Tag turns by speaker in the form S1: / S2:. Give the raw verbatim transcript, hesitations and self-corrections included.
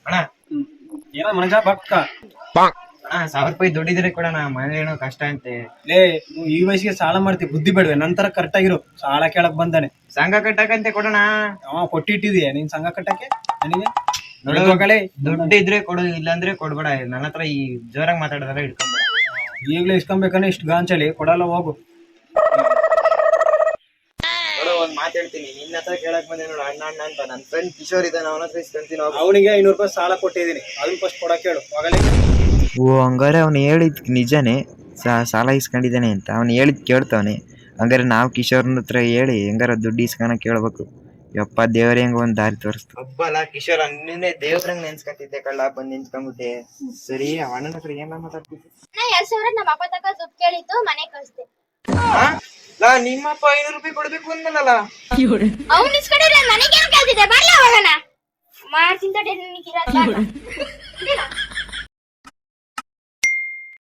S1: ಅಣ್ಣ
S2: ಏನೋ ಮನುಜ ಬಕ್ಕ
S1: ಅಣ್ಣ ಸಾವಿರ ರೂಪಾಯಿ ದುಡ್ಡಿದ್ರೆ ಕೊಡೋಣ ಮನೇಲಿ ಏನೋ ಕಷ್ಟ ಅಂತೆ.
S2: ಲೇ ನೀವು ಈ ವಯಸ್ಸಿಗೆ ಸಾಲ ಮಾಡ್ತೀವಿ, ಬುದ್ಧಿ ಬೇಡವೆ ನಂತರ ಕರೆಕ್ಟ್ ಆಗಿರು. ಸಾಲ ಕೇಳಕ್ ಬಂದಾನೆ,
S1: ಸಂಘ ಕಟ್ಟಕಂತೆ ಕೊಡೋಣ.
S2: ಅವ ಕೊಟ್ಟಿಟ್ಟಿದೀಯ ನೀನ್ ಸಂಘ ಕಟ್ಟಕ್ಕೆ ನನಗೆ?
S1: ನೋಡು
S2: ಮಗಳೇ
S1: ದುಡ್ಡು ಇದ್ರೆ ಕೊಡು, ಇಲ್ಲಾಂದ್ರೆ ಕೊಡ್ಬೇಡ. ನನ್ನ ಹತ್ರ ಈ ಜೋರಾಗಿ ಮಾತಾಡೋದಲ್ಲ ಇಟ್ಕೊಂಬೇಡ.
S2: ಈಗ್ಲೇ ಇಸ್ಕೊಬೇಕಂದ್ರೆ ಇಷ್ಟು ಗಾಂಚಲಿ ಕೊಡಲ್ಲ, ಹೋಗು.
S1: ನೋಡು ಒಂದ್ ಮಾತು ಹೇಳ್ತೀನಿ, ನಿನ್ನ ಹತ್ರ ಕೇಳಕ್ ಬಂದೆ ನೋಡು ಅಣ್ಣ ಅಣ್ಣ ಅಂತ. ನನ್ನ ಫ್ರೆಂಡ್ ಕಿಶೋರ್ ಇದ್ದಾನೆ, ಅವನ ಹತ್ರ ಇಸ್ಕೊಂತೀನಿ.
S2: ಅವನಿಗೆ ಐನೂರು ರೂಪಾಯಿ ಸಾಲ ಕೊಟ್ಟಿದ್ದೀನಿ, ಅದನ್ನ ಫಸ್ಟ್ ಕೊಡಕ್ಕೆ ಹೇಳು ಮಗಳೇ.
S3: ಓ ಹಂಗಾರೆ ಅವ್ನು ಹೇಳಿದ್ ನಿಜಾನೇ, ಸಾಲ ಇಸ್ಕೊಂಡಿದ್ದಾನೆ ಅಂತ ಅವ್ನು ಹೇಳಿದ್ ಕೇಳ್ತಾವನೆ. ಹಂಗಾರೆ ನಾವು ಕಿಶೋರ್ನ ಹತ್ರ ಹೇಳಿ ಹೆಂಗಾರ ದುಡ್ಡು ಇಸ್ಕೊಳಕ್ ಕೇಳ್ಬೇಕು. ಯಪ್ಪ ದೇವ್ರ ಹೆಂಗ ಒಂದ್ ದಾರಿ ತೋರಿಸ್ತು.
S1: ಹಬ್ಬಲ್ಲ ಕಿಶೋರ್, ನಿನ್ನೆ ದೇವ್ರಂಗ್ ನೆನ್ಸ್ಕತಿದ್ದೆ ಕಳ್ಳ, ಬಂದ್ ನಿಂತ್ಕೊಂಡ್ಬಿಟ್ಟೆ. ಸರಿ ಅಣ್ಣನ ಹತ್ರ ಏನ ಮಾತಾಡ್ತಿದ್ದೆ?
S4: ನಾ ಎರಡ್ ಸಾವಿರ ನಮ್ಮ ಅಪ್ಪ ತಕ ದುಡ್ಡು ಕೇಳಿತ್ತು, ಮನೆ ಕಳಿಸ್ದೆ.
S1: ನಾ ನಿಮ್ಮಪ್ಪ ಐನೂರು ರೂಪಾಯಿ ಕೊಡ್ಬೇಕು ಅಂದಲ್ಲ.
S4: ಅವ್ನು ಇಸ್ಕೊಂಡಿದ್ರೆ ನನಗೇನು ಕೇಳ್ತಿದ್ದೆ? ಬರ್ಲ ಹೋಗೋಣ ಮಾಡ್ತೀನಿ ತಡೆ ನಿನಗೆ ಇರೋದು.